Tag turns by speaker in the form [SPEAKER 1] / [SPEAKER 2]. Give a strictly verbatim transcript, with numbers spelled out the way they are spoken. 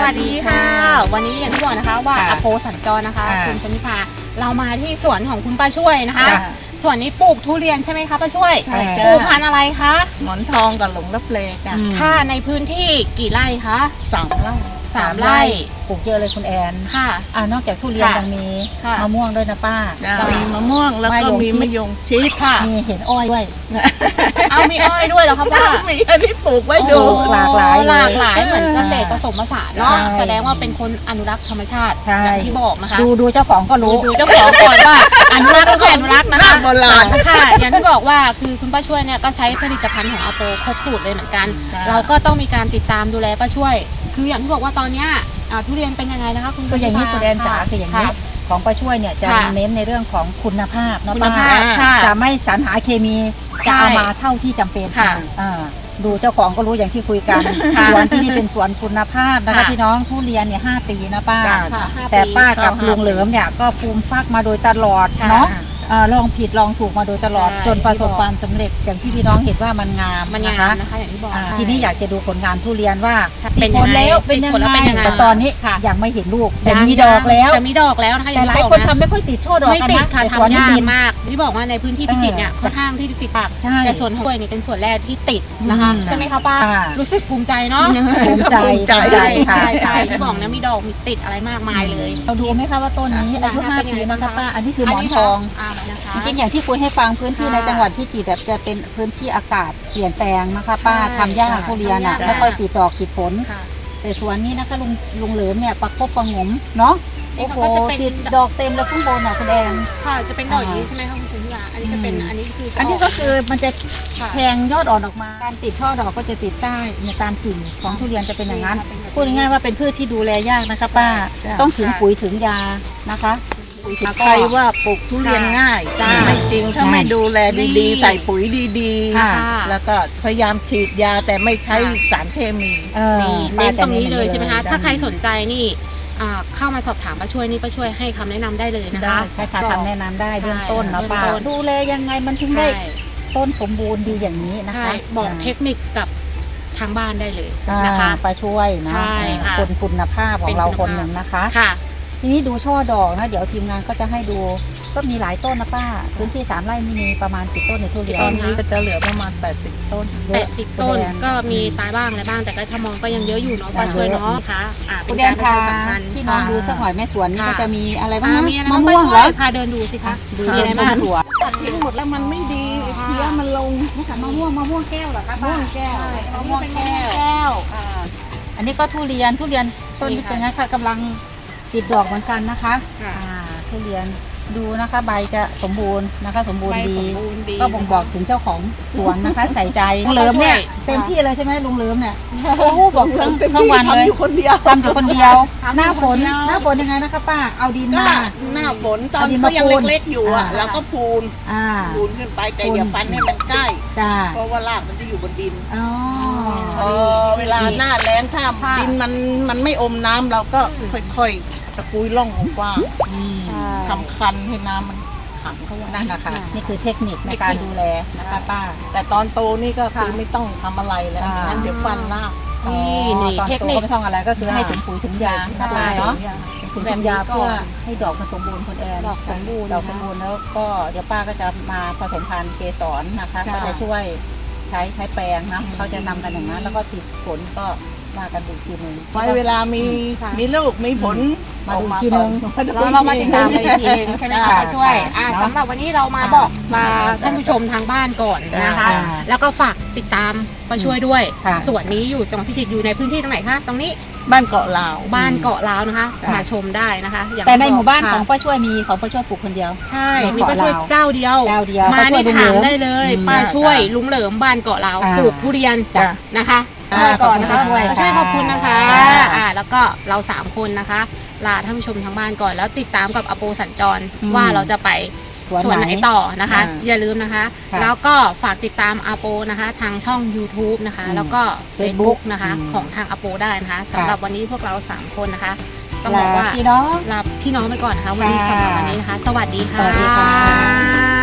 [SPEAKER 1] วัสดีค่ะวันนี้อย่างที่บอกนะคะว่าอโปสัญจรนะคะคุณชนิภาเรามาที่สวนของคุณป้าช่วยนะคะสวนนี้ปลูกทุเรียนใช่ไหมคะป้าช่วยปลูกพันธุ์อะไรคะ
[SPEAKER 2] หมอนทองกับหลงรับเลก
[SPEAKER 1] ค่ะในพื้นที่กี่ไร่คะ
[SPEAKER 2] สามไร่
[SPEAKER 1] สามไร่
[SPEAKER 3] ปลูกเยอะเลยคุณแอน
[SPEAKER 1] ค่ะ
[SPEAKER 3] อ่านอกจากทุเรียนยังมีมะม่วงด้วยนะป้า
[SPEAKER 2] มีมะม่วงแล้วก็มีมะยงชิด
[SPEAKER 1] ค่ะ
[SPEAKER 3] มีเห็นอ้อยด้วย
[SPEAKER 1] เอามีอ้อยด้วยเหรอคะป้า
[SPEAKER 2] มีอันที่ปลูกไว้ดู
[SPEAKER 3] หลากหลาย
[SPEAKER 1] หลากหลายเหมือนเกษตรผสมผสานเนาะแสดงว่าเป็นคนอนุรักษ์ธรรมชาติอย่างที่บอกนะคะ
[SPEAKER 3] ดูดูเจ้าของก็รู้
[SPEAKER 1] ดูเจ้าของก่อนว่าอนุรักษ์ก็อนุรักษ์นะคะโบราณค่ะอย่างที่บอกว่าคือคุณป้าช่วยเนี่ยก็ใช้ผลิตภัณฑ์ของอาโปครบสูตรเลยเหมือนกันเราก็ต้องมีการติดตามดูแลป้าช่วยคืออย่างที่บอกว่าตอนนี้ทุเรียนเป็นยังไงนะคะคุณ
[SPEAKER 3] ก็อย่างนี้คุณแอนจ๋าคืออย่างนี้ของป้าช่วยเนี่ยจะเน้นในเรื่องของคุณภาพเนาะป้าจะไม่สรรหาเคมีจะเอามาเท่าที่จำเป็นค่ะดูเจ้าของก็รู้อย่างที่คุยกันสวนที่นี่เป็นสวนคุณภาพนะคะพี่น้องทุเรียนเนี่ยห้าปีนะป้าแต่ป้ากับลุงเหลิมเนี่ยก็ฟูมฟักมาโดยตลอดเนาะลองผิดลองถูกมาโดยตลอดจนประสบความสำเร็จอย่างที่พี่น้องเห็นว่ามันงาม
[SPEAKER 1] นะคะนะคะอย่างที่บอก
[SPEAKER 3] ทีนี้อยากจะดูผลงานทุเรียนว่า
[SPEAKER 1] เป็นยังไง
[SPEAKER 3] เป็นยังไงแต่ตอนนี้ยังไม่เห็นลูกแต่มีดอกแล้ว
[SPEAKER 1] แต่มีดอกแล้วนะคะ
[SPEAKER 3] แต่หลายคนทำไม่ค่อยติดช่อดอก
[SPEAKER 1] กันนะแต่สวนนี้ดีมากที่บอกว่าในพื้นที่พิจิตรเนี่ยค่อนข้างที่จะติดปากแต่ส่วนของนี่เป็นส่วนแรกที่ติดนะคะใช่ไหมคะป้ารู้สึกภูมิใจเนาะ
[SPEAKER 3] ภูมิใจ
[SPEAKER 1] ใช่ใช่ใช่ที่บอกนะมีดอกมีติดอะไรมากมายเลย
[SPEAKER 3] เราดูไหมคะว่าต้นนี้อายุห้าปีนะคะป้าอันนี้คือหมอนทองจริงๆอย่างที่คุยให้ฟังพื้นที่ในจังหวัดพิจิตรจะเป็นพื้นที่อากาศเปลี่ยนแปลงนะคะป้าทำยากทุเรียนอ่ะไม่ค่อยติดดอกติดผลแต่สวนนี้นะคะลุงลุงเหลิมเนี่ยประคบประงมเนาะโอ้โหติดดอกเต็มเลยข้างบนอ่ะคุณแดง
[SPEAKER 1] ค่ะจะเป็นดอกอย่างนี้ใช่ไหมคะคุณชนิดาอันนี้จะเป็นอันนี้คือ
[SPEAKER 3] อันนี้ก็คือมันจะแทงยอดอ่อนออกมาการติดช่อดอกก็จะติดใต้ในตามกิ่งของทุเรียนจะเป็นอย่างนั้นพูดง่ายๆว่าเป็นพืชที่ดูแลยากนะคะป้าต้องถึงปุ๋ยถึงยานะคะ
[SPEAKER 2] ใครว่าปลูกทุเรียนง่ายไม่จริงถ้าไม่ดูแลดีๆใส่ปุ๋ยดีๆแล้วก็พยายามฉีดยาแต่ไม่ใช้สารเคมี
[SPEAKER 1] เน้นตรงนี้เลยใช่ไหมคะถ้าใครสนใจนี่เข้ามาสอบถามป้าช่วยนี่ป้าช่วยให้คำแนะนำได้เลยนะคะ
[SPEAKER 3] ให้คำแนะนำได้เบื้องต้นนะป้าดูแลยังไงมันถึงได้ต้นสมบูรณ์ดีอย่างนี้นะคะ
[SPEAKER 1] บอกเทคนิคกับทางบ้านได้เลยนะคะ
[SPEAKER 3] ป้าช่วยนะคนคุณภาพของเราคนหนึ่งนะคะทีนี้ดูช่อดอกนะเดี๋ยวทีมงานก็จะให้ดูก็มีหลายต้นนะป้าพื้นที่สามไร่นี่มีประมาณกี่ต้นในทุเรียน
[SPEAKER 2] ตอนนี้ก็จะเหลือประมาณแปดสิบต้น
[SPEAKER 1] แปดสิบต้นก็มีตายบ้างอะไรบ้างแต่ก็ถ้ามองก็ยังเยอะอยู่เนาะป้าช่วยเนาะค่ะ
[SPEAKER 3] คุณแดนพาพี่น้องดูสักหน่อยแม่สวนนี่ก็จะมีอะไรบ้างนะ
[SPEAKER 1] มะม่วงเหรอพาเดินดูสิคะ
[SPEAKER 3] ดูอะไรบ้างสวน
[SPEAKER 2] ตัดทิ้งหมดแล้วมันไม่ดีเพี้ยมันลง
[SPEAKER 3] นี่ค่ะมะม่วงมะม่วงแก้วเหรอคะ
[SPEAKER 1] มะม่วงแก้ว
[SPEAKER 3] มะม่วงแก้วอันนี้ก็ทุเรียนทุเรียนต้นนี้เป็นไงคะกำลังติดดอกเหมือนกันนะคะทุเรียนดูนะคะใบจะสมบูรณ์นะคะสมบูรณ์ดีก็บ่งบอกถึงเจ้าของสวนนะคะใส่ใจลุงเหลิมเนี่ยเต็มที่เลยใช่ไหมลุงเหลิมเนี่ยโอ้บอกทั้งทั้งวันเลยทำอยู่คนเดียวทำอยู่คนเดียวหน้าฝนหน้าฝนยังไงนะคะป้าเอาดินมา
[SPEAKER 2] หน้าฝนตอนเขายังเล็กๆอยู่อ่ะแล้วก็พูนพูนขึ้นไปแต่อย่าฟันให้มันใกล้เพราะว่ารากมันจะอยู่บนดินเวลาหน้าแล้งถ้าดินมันมันไม่อมน้ำเราก็ค่อยๆตะกุยร่องของกว้างทำคันให้น้ำมันขังเข้าไว้
[SPEAKER 3] นั่นนะคะนี่คือเทคนิคในการดูแลนะคะป้า
[SPEAKER 2] แต่ตอนโตนี่ก็คือไม่ต้องทำอะไรแล้วงั้นเดี๋ยวฟันราก
[SPEAKER 3] นี่นี่เทคนิคไม่ต้องอะไรก็คือให้ถึงปุ๋ยถึงยานะป้าเนาะถึงถึงยาเพื่อให้ดอกมันสมบูรณ์คุณแอน
[SPEAKER 1] ดอกสมบูรณ์
[SPEAKER 3] ดอกสมบูรณ์แล้วก็เดี๋ยวป้าก็จะมาผสมพันธุ์เกสรนะคะก็จะช่วยใช้ใช้แปลงนะเขาจะนำกันอย่างนั้นแล้วก็ติดผลก็มากันดูทีนึง
[SPEAKER 2] ไว้เวลามีมีลูกมีผล
[SPEAKER 3] มาดูทีนึง
[SPEAKER 1] เรามาติดตามกันทีนึงใช่ไหมคะช่วยสำหรับวันนี้เรามาบอกมาท่านผู้ชมทางบ้านก่อนนะคะแล้วก็ฝากติดตามมาช่วยด้วยส่วนนี้อยู่จังหวัดพิจิตรอยู่ในพื้นที่ตรงไหนคะตรงนี้
[SPEAKER 2] บ้านเกาะลาว
[SPEAKER 1] บ้านเกาะลาวนะคะมาชมได้นะคะ
[SPEAKER 3] แต่ในหมู่บ้านของป้าช่วยมีของป้าช่วยปลูกคนเดียว
[SPEAKER 1] ใช่มีป้าช่วยเจ้าเดียวมาที่ถามได้เลยป้าช่วยลุงเหลิมบ้านเกาะลาวปลูกทุเรียนนะคะช่วยก่อนนะคะช่วยขอบคุณนะคะอ่าแล้วก็เราสามคนนะคะลาท่านผู้ชมทางบ้านก่อนแล้วติดตามกับอโปสัญจรว่าเราจะไปส่วนไหนต่อนะคะอย่าลืมนะคะแล้วก็ฝากติดตามอโปนะคะทางช่อง ยูทูบ นะคะแล้วก็ เฟซบุ๊ก นะคะของทางอโปได้นะคะสำหรับวันนี้พวกเราสามคนนะคะต้องบอกว่า
[SPEAKER 3] พี่น้อง
[SPEAKER 1] ลาพี่น้องไปก่อนนะคะวันนี้สำหรับวันนี้นะคะสวัสดีค่ะ